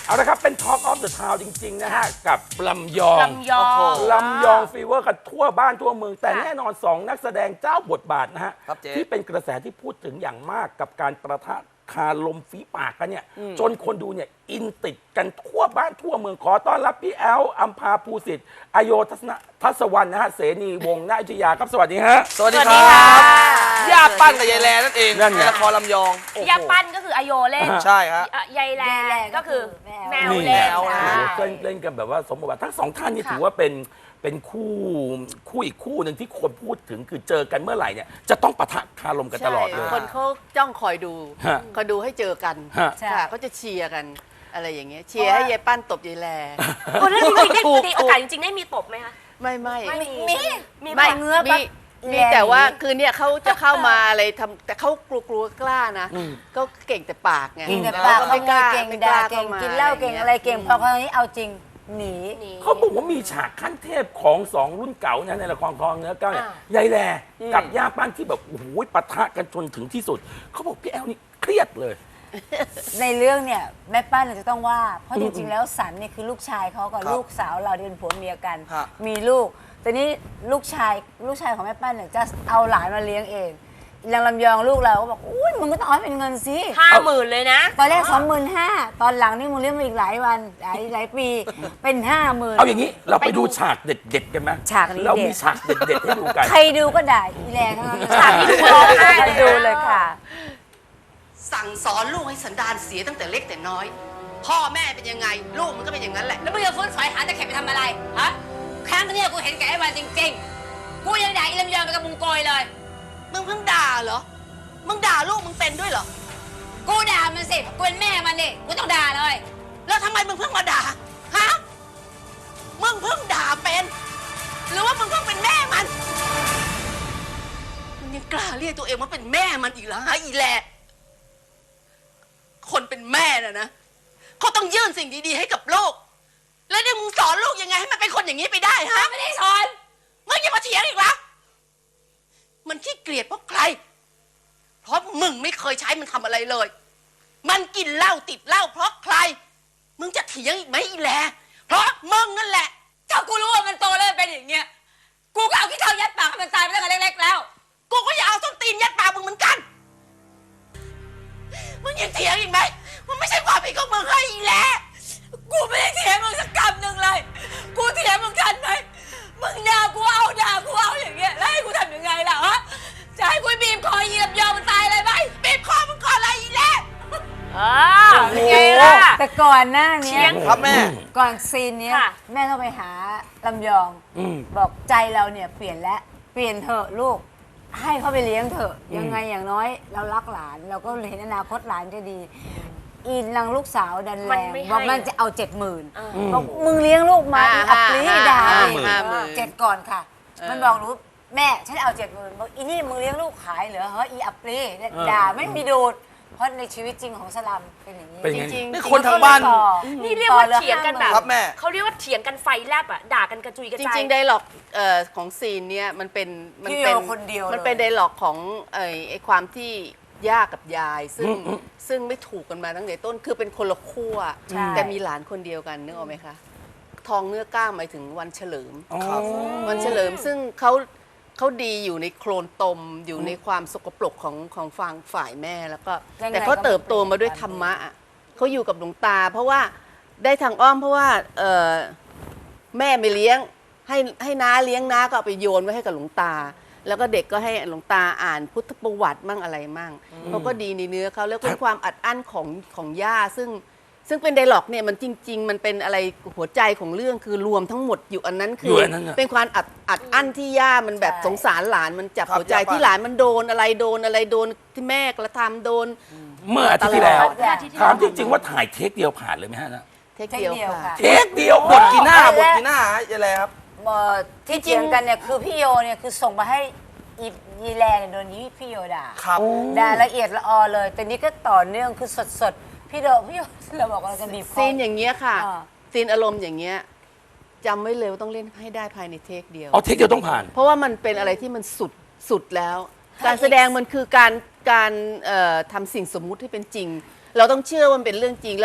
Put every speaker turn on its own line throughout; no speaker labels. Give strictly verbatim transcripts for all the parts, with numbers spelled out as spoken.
เอาละครับเป็น Talk of the Town จริงๆนะฮะกับลำยอง
ลำยอง
ลำยองฟีเวอร์กันทั่วบ้านทั่วเมืองแต่แน่นอนสองนักแสดงเจ้าบทบาทนะฮะที่เป็นกระแสที่พูดถึงอย่างมากกับการประทะคาลมฝีปากกันเนี่ยจนคนดูเนี่ยอินติดกันทั่วบ้านทั่วเมืองขอต้อนรับพี่แอลอัมพาภูสิทธิ์อโยทัศนทัศวรรณนะฮะเสนีวงศ์นาอยุธยาครับสวัสดีฮะ
สวัสดีครับย่าปั้นกับยายแลนั่นเอง
นั่นไง
ในละครลำยอง
ยาปั้นก็คืออโยเล่น
ใช่ฮะ
ยายแลก็คือแมว
นี่
เล่น
โอ้
ใช่
โหเล่นเล่นกันแบบว่าสมบทบาททั้งสองท่านนี่
ค่ะ
ถือว่าเป็นเป็นคู่คู่อีกคู่หนึ่งที่คนพูดถึงคือเจอกันเมื่อไหร่เนี่ยจะต้องปะทะคารมกันตลอดเลย
คนเขาจ้องคอยดู
ฮะ
คอยดูให้เจอกัน
ฮะ
ค่ะเขาจะเชียร์กันอะไรอย่างเงี้ยเชียร์ให้ยายปั้นตบยายแล
โอ้แล้วจริงๆได้
ถูก
มีโอกาสจริงๆได้มีตบไหมคะ
ไม่ไม่
ไม่มี
มี
มี
ไม่
เงื้อ
มี
ปะ
มี
แล
แต่ว่า
หนี
คือเนี่ยเขาจะเข้ามาอะไรทำแต่เขากลัวกลัวกล้านะก็เก่งแต่ปากไง
เก่งแต่
แล้ว
ปาก
ก็
ข
ไม่
โม
ก
ย
ล้า
เก่ง
ไม่
ด่า
ล้
เก่ง
ข้ม
กินเหล้าเก่งอะไรเก่งพอคราวนี้เอาจริงหนี
เขาบอกว่ามีฉากขั้นเทพของสองรุ่นเก่านะในละครคลองเนื้อเก้าเนี่ยยายแลกับย่าปั้นที่แบบโอ้โหปะทะกันจนถึงที่สุดเขาบอกพี่แอลนี่เครียดเลย
ในเรื่องเนี่ยแม่ป้าเนี่ยจะต้องว่า เพราะจริงๆแล้วสันเนี่ยคือลูกชายเขากับลูกสาวเราที่เป็นผัวเมียกัน
ฮะ
มีลูกแต่นี้ลูกชายลูกชายของแม่ป้าเนี่ยจะเอาหลานมาเลี้ยงเองอย่างลำยองลูกเราก็บอกอุ้ยมึงก็ต้องเอาให้เป็นเงินสิ
ห้าหมื่นเลยนะ
ตอนแรกสองหมื่นห้าตอนหลังนี่มึงเลี้ยงมาอีกหลายวันหลายหลายปีเป็นห้าหมื่น
เอาอย่างนี้เราไปดูฉากเด็ดๆกันไหม
ฉากนี้
เรา
เด็ด
มีฉากเด็ดๆให้ดูกัน
ใครดูก็ด่าอีแรงทั้งนั้น
ฉากนี้ดูร้องไห้เลยนะ
ดูเลยค่ะ
สั่งสอนลูกให้สันดานเสียตั้งแต่เล็กแต่น้อย พ่อแม่เป็นยังไง ลูกมันก็เป็นอย่างนั้นแหละ
แล้วมึงจะฟื้นฝอยหาตะเข็บไปทำอะไร ฮะ ครั้งนี้กูเห็นแกไอ้วันจริงๆ กูยังด่าอีลำยองไปกับมุงโกยเลย
มึงเพิ่งด่าเหรอ มึงด่าลูกมึงเป็นด้วยเหรอ
กูด่ามันสิ กูเป็นแม่มันนี่กูต้องด่าเลย
แล้วทำไมมึงเพิ่งมาด่า ฮะ มึงเพิ่งด่าเป็น หรือว่ามึงเพิ่งเป็นแม่มัน มึงยังกล้าเรียกตัวเองว่าเป็นแม่มันอีกเหรอฮะอีแหละคนเป็นแม่น่ะนะเขาต้องยื่นสิ่งดีๆให้กับลูก แล้วเนี่ยมึงสอนลูกยังไงให้มันเป็นคนอย่างนี้ไปได้ฮะ
ไม่ได้สอน
มึงอย่ามาเถียงอีกเหรอมันขี้เกลียดเพราะใคร เพราะมึงไม่เคยใช้มันทำอะไรเลย มันกินเหล้าติดเหล้าเพราะใคร มึงจะเถียงอีกไหมอีแลเพราะมึงนั่นแหละ
ถ้ากูรู้ว่ามันโตแล้วมันเป็นอย่างเงี้ย กูก็เอาขี้เท้ายัดปากให้มันตายไปตั้งแต่เล็กๆแล้ว
กูก็อยากเอาส้นตีนยัดปากมึงเหมือนกัน มึงยังเถียงอีกไหมมันไม่ใช่ความผิดของมึงให้อีแล
กูไม่ได้เถียงมึงสักคำหนึ่งเลย กูเถียงมึงทันไหมมึงด่ากูเอาด่ากูเอาอย่างเงี้ย แล้วให้กูทำยังไงล่ะฮะ จะให้กูบีบคอยีลำยองมันตายเลยไหม
บีบคอมึงก่อนเลยอีแล
อ่าเป็นไงล่ะ
แต่ก่อนหน้าเนี้ย
ครับแม่
ก่อนซีนเนี้ย
ค่ะ
แม่ต้องไปหาลำยอง
อืม
บอกใจเราเนี่ยเปลี่ยนแล้วเปลี่ยนเถอะลูก ให้เขาไปเลี้ยงเถอะยังไงอย่างน้อยเรารักหลาน เราก็เห็นอนาคตหลานจะดี อีนางลูกสาวดันแร
มัน
ง
ไม่ให้
บอกมันจะเอาเจ็ดหมื่น
เออ
บอกมึงเลี้ยงลูกมา
ห้า
อีอัปรี
ห้า
ด่า
ห้า
อีก
ห้าหมื่น
เจ็ดก่อนค่ะ
เออ
มันบอกหนูแม่ฉันเอาเจ็ดหมื่นบอกอีนี่มึงเลี้ยงลูกขายเหรอเฮ้ยอีอัปรีด่าไม่มีดูดเพราะในชีวิตจริงของสลัมเป็นอย่างนี้
เป็นไง
จริงๆ
นี่คนทางบ้าน
ต่อ
นี่เรียกว่าเถียงกันแบบ
ครับแม่
เขาเรียกว่าเถียงกันไฟแลบอ่ะด่ากันกระจุยกระ
จ
จาย
ริงๆไดร็อกเอ่อของซีนเนี่ยมันเป็นมั
พี่
เป็
โยคนเดียวเลย
มันเป็นไดร็อกของไอ้ไอ้ความที่ย่ากับยาย ซึ่งซึ่งไม่ถูกกันมาตั้งแต่ต้นคือเป็นคนละขั้ว
ใช่
แต่มีหลานคนเดียวกันนึกออกไหมคะ ทองเนื้อกล้าหมายถึงวันเฉลิม
ครับ
วันเฉลิมซึ่งเขาเขาดีอยู่ในโคลนตมอยู่ในความสกปรกของของฝั่งฝ่ายแม่แล้วก็
ยังไง
แต่เขาเติบโตมาด้วยธรรมะอะเขาอยู่กับหลวงตา เพราะว่าได้ทางอ้อมเพราะว่าเอ่อแม่ไม่เลี้ยงให้ให้น้าเลี้ยงน้าก็เอาไปโยนไว้ให้กับหลวงตา แล้วก็เด็กก็ให้หลวงตาอ่านพุทธประวัติมั่งอะไรมั่งเขาก็ดีในเนื้อเขาแล้วเป็นความอัดอั้นของของย่าซึ่งซึ่งเป็นไดร็อกเนี่ยมันจริง ๆ มันเป็นอะไรหัวใจของเรื่องคือรวมทั้งหมดอยู่อันนั้นคื
อยู่อันนั้นน่ะ
เป็นความอัดอัดอั้นที่ย่ามันแบบ
ใช่
สงสารหลานมันจับ
ครับ
หัวใจ
ย่าป้า
ที่หลานมันโดนอะไรโดนอะไรโดนที่แม่กระทำโดน
เมื่ออาทิตย์ที่แล้ว
ตลอด
ถามจริงๆว่าถ่ายเทคเดียวผ่านเลยไหมฮะนะ
เทคเดียว
เทคเดียว
ค่ะ
ค่ะ
เทคเดียว
บทกี่หน้า
อ๋อบ
ทกี่หน้าฮะยายแลครับ
เอ่อที่เถียงกันเนี่ยคือพี่โยเนี่ยคือส่งมาให้อียีแลเนี่ยโดนยี่พี่โยด่า
ครับ
ด่าละเอียดละออเลย แต่นี้ก็ต่อเนื่องคือสดๆ พี่โดพี่โยเราบอกว่าเราจะบีบคอ
ซีนอย่างเงี้ยค่ะ
อ่า
ซีนอารมณ์อย่างเงี้ยจำไว้เลยว่าต้องเล่นให้ได้ภายในเทคเดียว
เอาเทคเดียวต้องผ่าน
เพราะว่ามันเป็นอะไรที่มันสุดสุดแล้ว การแสดงมันคือการการเอ่อทำสิ่งสมมุติให้เป็นจริง เราต้องเชื่อว่ามันเป็นเรื่องจริงแล้ว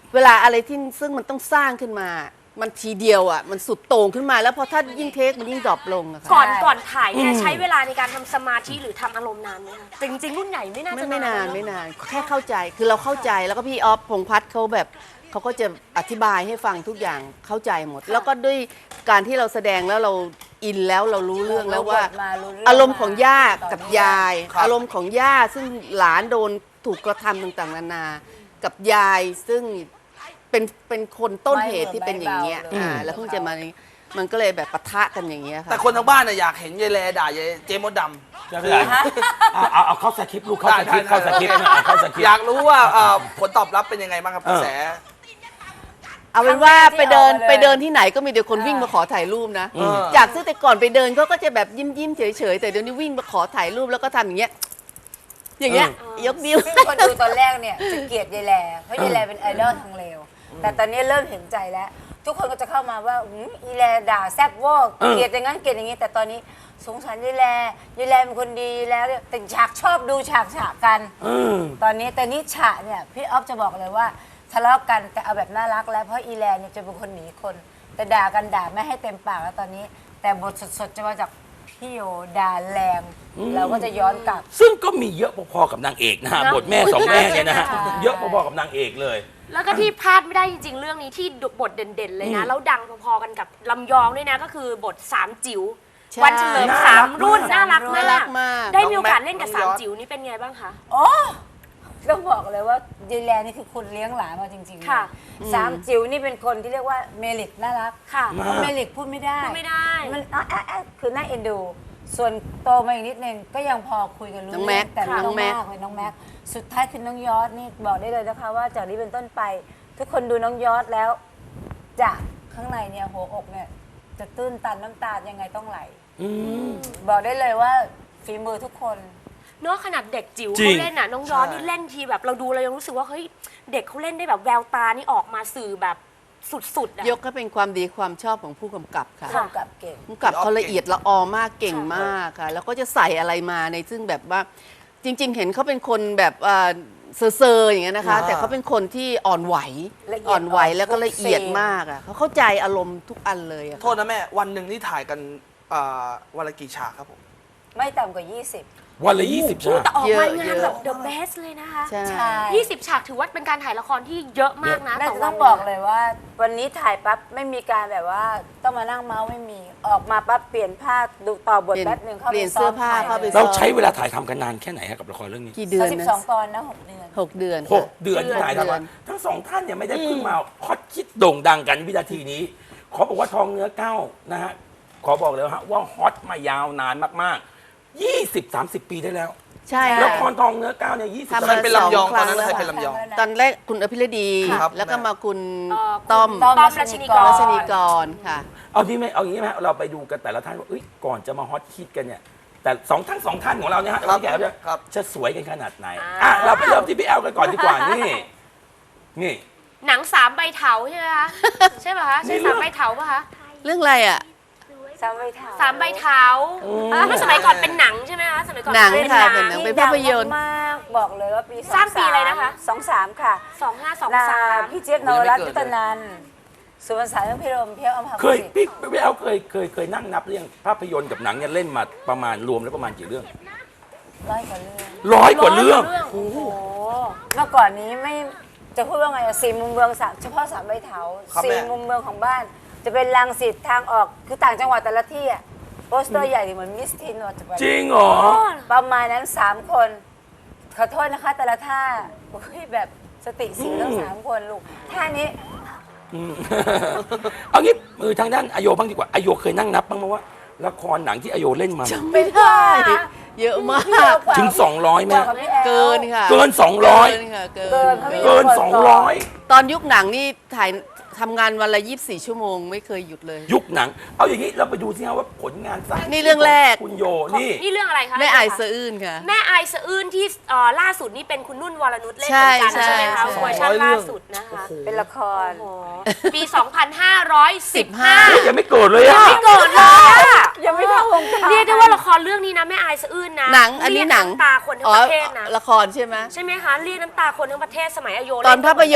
เวลาอะไรที่ซึ่งมันต้องสร้างขึ้นมา มันทีเดียวอ่ะมันสุดโต่งขึ้นมาแล้วพอถ้ายิ่งเทคมันยิ่งดรอปลงอะค่ะ
ก่อนก่อนถ่ายเนี่ยใช้เวลาในการทำสมาธิหรือทำอารมณ์นานไหมคะแต่จริงๆรุ่นใหญ่ไม่น่า
ไม่
จะ
ไม่นาน
เอะ
ไม่นานแค่เข้าใจคือเราเข้าใจแล้วก็พี่ออฟพงษ์พัฒน์เขาแบบเขาก็จะอธิบายให้ฟังทุกอย่างเข้าใจหมด แล้วก็ด้วยการที่เราแสดงแล้วเราอินแล้วเรารู้เรื่องแล้วว่า
มารู้เรื่อง
อารมณ์ของย่ากับ
ตอนนี้
ยาย
ครับ
อารมณ์ของย่าซึ่งหลานโดนถูกกระทำต่างๆนานา กับยายซึ่งเป็นเป็นคนต้นเหตุที่เป็นอย่างเงี้ย
ไม่เบาเลย
อ่าแล้วเพิ่งจะมามันก็เลยแบบปะทะกันอย่างเงี้ยค่ะ
แต่คนทางบ้านน่ะอยากเห็นยายแลด่ายายเจมดดำ
จะเป็นไรเอาเอาเอาเข้าสคริปต์ลูกเข้าสคริปต์เข้าสคริปต์นะเอาเข้าสคริป
อยา
ต์
กรู้ว่าเอ่อผลตอบรับเป็นยังไงบ้างครับกระแส
เอาเป็นว่า
ครั้งแรกที่
ไปเดิน
ออกมาเลย
ไปเดินที่ไหนก็มีเดี๋ยวคนวิ่งมาขอถ่ายรูปนะ
อืม
จากซึ่งแต่ก่อนไปเดินเขาก็จะแบบยิ้มยิ้มๆเฉยเฉยๆแต่เดี๋ยวนี้วิ่งมาขอถ่ายรูปแล้วก็ทำอย่างเงี้ยอย่างเงี้ยยกนิ้ว
ซึ่งคนดูตอนแรกเนี่ยจะเกลียดยายแลเพราะยายแลเป็นไอดอลทางเลวแต่ตอนนี้เริ่มเห็นใจแล้ว ทุกคนก็จะเข้ามาว่าอืมอีแลด่าแซ่บเวอร์เกลียดอย่างนั้นเกลียดอย่างนี้ แต่ตอนนี้สงสารยายแลยายแลเป็นคนดีแล้วเนี่ยแต่ฉากชอบดูฉากฉากกัน
อืม
ตอนนี้แต่นี่ฉากเนี่ยพี่ออฟจะบอกเลยว่าทะเลาะกันแต่เอาแบบน่ารักแล้วเพราะอีแลนเนี่ยจะเป็นคนหนีคน แต่ด่ากันด่าไม่ให้เต็มปากแล้วตอนนี้ แต่บทสดๆจะมาจากพี่โยด่าแรงเราก็จะย้อนกลับ
ซึ่งก็มีเยอะพอๆกับนางเอกนะฮะ
เนอะ
บทแม่สองแม่เนี่ยนะฮะ
ใช่
เยอะพอๆกับนางเอกเลย
แล้วก็ที่พลาดไม่ได้จริงๆ เรื่องนี้ที่บทเด่นๆ เลยนะ แล้วดังพอๆกันกับลำยองด้วยนะ ก็คือบทสามจิ๋ว
ใช่
วันเฉลิมสามรุ่นน่ารัก
น่ารั
มาก
กมาก
ได้มีโอกาส
น้องแม็ก
เล่นกับ
น้
สา
อง
ม
ยอด
จิ๋วนี่เป็นไงบ้างคะ
โอ้ต้องบอกเลยว่ายายแลนี่คือคนเลี้ยงหลานมาจริงๆเลย
ค่ะ
สามจิ๋วนี่เป็นคนที่เรียกว่าเมลิกน่ารัก
ค่ะ
เพราะเมลิกพูดไม่ได้
พูดไม่ได้
มันอ่ะอ่ะอ่ะคือน่าเอ็นดู ส่วนโตมาอีกนิดนึงก็ยังพอคุยกันรู้
น้องแม็
เรื่อก งแต่
ค่ะ
น้องแม็กเลยน้องแม็กสุดท้ายคือน้องยอดนี่บอกได้เลยนะคะว่าจากนี้เป็นต้นไป ทุกคนดูน้องยอดแล้วจากข้างในเนี่ยหัวอกเนี่ยจะตื้นตันน้ำตายังไงต้องไหล
อืม
บอกได้เลยว่าฝีมือทุกคน
เนาะขนาดเด็กจิ๋ว
จริง
เขาเล่นน่ะน้องย้อนนี่เล่นทีแบบเราดูเรายังรู้สึกว่าเฮ้ยเด็กเขาเล่นได้แบบแววตานี่ออกมาสื่อแบบสุดๆอะ
ยกให้เป็นความดีความชอบของผู้กำกับค่ะ
ร่วมกับเก่ง
ผู้กำกับเขาละเอียดละออมากเก่งมากค่ะ แล้วก็จะใส่อะไรมาในซึ่งแบบว่าจริง ๆ เห็นเขาเป็นคนแบบอ่าเซอร์ๆอย่างเงี้ยนะคะ
อ่า
แต่เขาเป็นคนที่อ่อนไหว
ละเอียด
อ่อนไหว
อ่อน
แล้วก็ละเอียด
ทุกซีน
มากอ่ะเขาเข้าใจอารมณ์ทุกอันเลยอะ
โทษนะแม่ วันหนึ่งนี่ถ่ายกันอ่าวันละกี่ฉากครับผม
ไม่ต่ำกว่า ยี่สิบ
วันละยี่สิบฉาก
แต่ออกมางานแบบ the best เลยนะคะ
ใช่
ใช่
ยี่สิบฉากถือว่าเป็นการถ่ายละครที่เยอะมากนะ
น่า
ต่อ
จะ
วั
ต้อน งบอกเลยว่า วันนี้ถ่ายปั๊บไม่มีการแบบว่าต้องมานั่งเมาส์ไม่มี ออกมาปั๊บเปลี่ยนผ้าดูต่อบท
เปลี่ยน
แป๊บหนึ่งเข้า
เปลี่
ไป
ยน
ซ้
เสื้
อ
อ
ม
ผ้า
ถ่าย
เข้าไป
เราใช้เวลาถ่ายทำกันนานแค่ไหนฮะกับละครเรื่องนี้
กี่เดือน
สิบ
นะ
สองตอนนะหกเดือน
หกเดือน
ห
ค่ะ
กเดือนที่ถ่าย
เดือน
ทำทั้งสองท่านเนี่ยไม่ได้เพิ่งมาฮอตคิดโด่งดังกันวินาทีนี้ ขอบอกว่าทองเนื้อเก้านะฮะขอบอกเลยฮะว่าฮอตมายาวนานมากๆยี่สิบสามสิบปีได้แล้ว
ใช่
ละ
ค่ะ
ครทองเนื้อเก้าเนี่ยยี่สิบ
ทำ
ใคร
มา
เป็นลำยอง
สอง
ตอนนั้น
ครั้ง
ใครเป็นลำยอง
ตอนแรกคุณอภิรดี
ครับ
แล้วก็มาคุณ
เอ่อ
ต้อม
ต้อม
ต้อมรัชนีกร
รัชนีกรค่ะ
เอาที่ไหมเอาอย่างนี้ไหมฮะเราไปดูกันแต่ละท่านว่าเอ้ยก่อนจะมาฮอตฮิตกันเนี่ยแต่สองท่านสองท่านของเราเนี่ยฮะ
ครับ
พี่แกเนี่ย
ครับ
จะสวยกันขนาดไหนอ่ะเราไปเริ่มที่พี่แอลกันก่อนดีกว่านี่นี่
หนังสามใบเถาใช่ไหมคะใช่ป่ะคะใช่
นี่เรื่
สา
อง
มใบเถาป่ะคะ
เรื่องอะไรอ่ะ
สามใบเท้า
สามใบเถาเมื่อสมัยก่อนเป็นหนังใช่ไหมคะสมัยก่อน
หนัง
เป็น
ค่ะ
ห
เป็น
นั
หนั
ง
ง เป็นภาพยนตร์
มากๆบอกเลยว่าปี
สร้างปีอะไรนะคะ
สองสามค่ะ
สองห้าสอง
นา
สาม
พี่เจี๊ยบนวรัตน์ยุตนันท์สุวรรณสารเรื่องพิรมเพียวอมภา
เคย
สิทธิ์
พี่พี่แอลเคยเคยเคยนั่งนับเรื่องภาพยนตร์กับหนังเนี่ยเล่นมาประมาณรวมแล้วประมาณกี่เรื่อง
ร้อยกว่าเรื่อง
ร้อยกว่าเรื่อง
โอ้โห
เมื่อก่อนนี้ไม่จะพูดว่าไงอะสี่มุมเมืองสามเฉพาะสามใบเถา
ครับ
สี่
แม่
มุมเมืองของบ้าน จะเป็นรังสิตทางออกคือต่างจังหวัดแต่ละที่อะโปสเตอร์ใหญ่เหมือนมิสทีนวจะไป
จริงเหรอ
ประมาณนั้นสามคน ขอโทษนะคะ แต่ละท่าโอ้ยแบบสติสีทั้งสามคนลูกท่านี้
อืม เอางี้มือทางด้านอโยบ้างดีกว่าอโยเคยนั่งนับบ้างไหมว่าละครหนังที่อโยเล่นมา
ไม่ได้ เยอะมาก
ถึงสองร้อยไหม
บอกกับพี่แอล
เกินค่ะ
เกินสองร้อย
เกินค่ะเกิ
เกิน
น
เขาไม่
เกินสองร้อย
ตอนยุคหนังนี่ถ่ายทำงานวันละยี่สิบสี่ชั่วโมงไม่เคยหยุดเลย
ยุคหนัง เอาอย่างนี้เราไปดูสิฮะว่าผลงานสร้าง
นี่เรื่องแรก
คุณโยนี่
นี่เรื่องอะไรคะ
แม่อายสะอื้นค่ะ
แม่อายสะอื้นที่เอ่อล่าสุดนี่เป็นคุณนุ่นวรนุชเล่น
ใช่
เหมือนกันใช่ไหมคะ
ใช่
เวอร์ชัน
ร้อยเรื่
ล่า
อง
สุดนะคะ
เป็นละคร
โอ้โหปี สองพันห้าร้อยสิบห้า
เฮ้ยยังไม่เกิดเลยอะ
ไม่เกิดเลยอะ
ยังไม่เข้าวงการ
เรียกได้ว่าละครเรื่องนี้นะแม่อายสะอื้นนะ
หนังอันนี้หนัง
เรียกำตาคนทั้
อ๋
ง
อ
ประเทศนะ
ละครใช่ไหม
ใช่ไหมคะเรียกน้ำตาคนทั้งประเทศสมัยอโย
ตอน
เล่
ภาพยนตร์เนี่ยนะ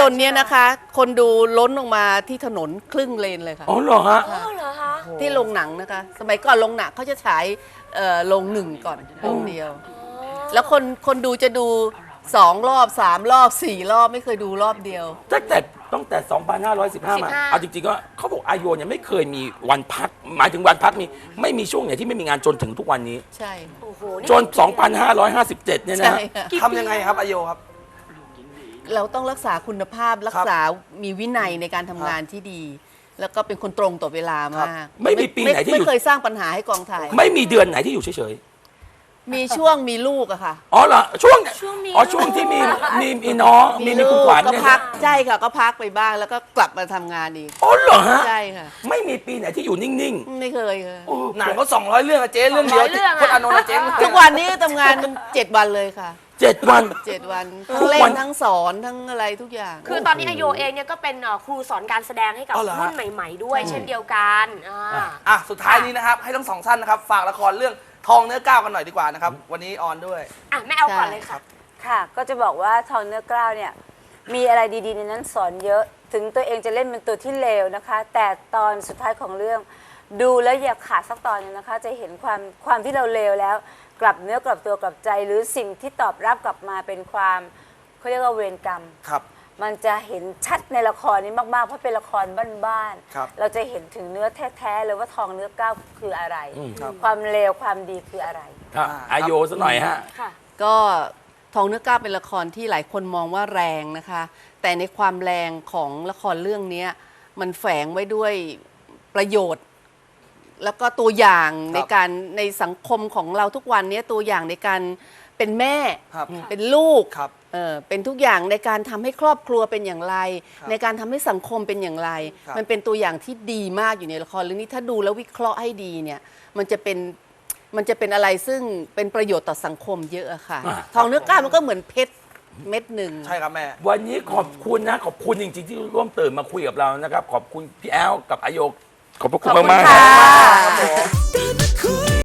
นะคะ คนดูล้นออกมาที่ถนนครึ่งเลนเลยค่ะ
อ๋อเหรอฮะ
อ๋อเหรอคะ
ที่โรงหนังนะคะ สมัยก่อนโรงหนังเขาจะฉายเอ่อโรงหนึ่งก่อนโรงเดียว แล้วคนคนดูจะดูสองรอบสามรอบสี่รอบไม่เคยดูรอบเดียว
ตั้งแต่ตั้งแต่ สองพันห้าร้อยสิบห้า มา เอาจริงๆก็เขาบอกอาโยเนี่ยไม่เคยมีวันพัก หมายถึงวันพักมีไม่มีช่วงไหนที่ไม่มีงานจนถึงทุกวันนี้
ใช่
โอ้โห
จน สองพันห้าร้อยห้าสิบเจ็ด เนี่ยนะ
ใช่ค่ะ
ทำยังไงครับอาโยครับ
เราต้องรักษาคุณภาพรักษามีวินัยในการทำงานที่ดี แล้วก็เป็นคนตรงต่อเวลามาก
ไม่มีปีไหนที่หยุด
ไม่เคยสร้างปัญหาให้กองถ่าย
ไม่มีเดือนไหนที่อยู่เฉย
มีช่วงมีลูกอะค่ะ
ๆ อ๋อเหรอ ช่วงอ๋อช่วงที่มีมีมีน้องมีมีคุณขวัญ
ก็
เนี่ย
พั
นะ
กใช่ค่ะก็พักไปบ้างแล้วก็กลับมาทำงานอีก
อ๋อเหรอฮะ
ใช่ค่ะ
ไม่มีปีไหนที่อยู่นิ่ง
ไม่เคยค่ะ
ๆโอ้
หนังก็สองร้อยเรื่องอะเจ๊เรื่องเดียวพจน์อานนท์อะเจ๊
ทุกวันนี้ทำงานเจ็ดวันเลยค่ะ
เจ็ดวัน
เจ็ดวันทั้งเล่
วัน น
ทั้งสอนทั้งอะไรทุกอย่าง
คือตอนนี้อาโยเองเนี่ยก็เป็นเอ่อครูสอนการแสดงให้กับ
อ๋อเหรอฮะ
รุ่นใหม่ ๆ ด้วย เช่นเดียวกันอ่า
อ่ะสุดท้ายนี้นะครับ ให้ทั้งสองท่านนะครับ ฝากละครเรื่องทองเนื้อก้าวกันหน่อยดีกว่านะครับ วันนี้ออนด้วย
อ่ะแม่เอาก่อนเลยค่ะ
ค่ะ ก็จะบอกว่าทองเนื้อกล้าวเนี่ยมีอะไรดีๆในนั้นสอนเยอะ ถึงตัวเองจะเล่นเป็นตัวที่เลวนะคะ แต่ตอนสุดท้ายของเรื่อง ดูแล้วอย่าขาดสักตอนหนึงนะคะ จะเห็นความความที่เราเลวแล้ว กลับเนื้อกลับตัวกลับใจ หรือสิ่งที่ตอบรับกลับมาเป็นความเขาเรียกว่าเวรกรรม
ครับ
มันจะเห็นชัดในละครนี้มากๆ เพราะเป็นละครบ้าน
ครับ
ๆเราจะเห็นถึงเนื้อแท้ๆเลยว่าทองเนื้อก้าวคืออะไร
ครับ
ความเลวความดีคืออะไร
ครับอาโยซะหน่อยฮะ
ค่ะ
ก็ทองเนื้อกล้าเป็นละครที่หลายคนมองว่าแรงนะคะ แต่ในความแรงของละครเรื่องนี้มันแฝงไว้ด้วยประโยชน์ แล้วก็ตัวอย่างในการในสังคมของเราทุกวันนี้ตัวอย่างในการเป็นแม่
ครับ
เป็นลูก
ครับ
เออเป็นทุกอย่างในการทำให้ครอบครัวเป็นอย่างไร
ครับ
ในการทำให้สังคมเป็นอย่างไร
ครับ
มันเป็นตัวอย่างที่ดีมากอยู่ในละครเรื่องนี้ถ้าดูแล้ววิเคราะห์ให้ดีเนี่ยมันจะเป็นมันจะเป็นอะไรซึ่งเป็นประโยชน์ต่อสังคมเยอะอะค่ะ
อ่า
ทองเนื้อกล้ามันก็เหมือนเพชรเม็ดหนึ่ง
ใช่ครับแม่
วันนี้ขอบคุณนะ ขอบคุณจริงๆที่ร่วมตื่นมาคุยกับเรานะครับ ขอบคุณพี่แอลกับอาโยขอบพระคุณ
ขอบคุณ
มากๆ
ค่ะ
ครับ
ได้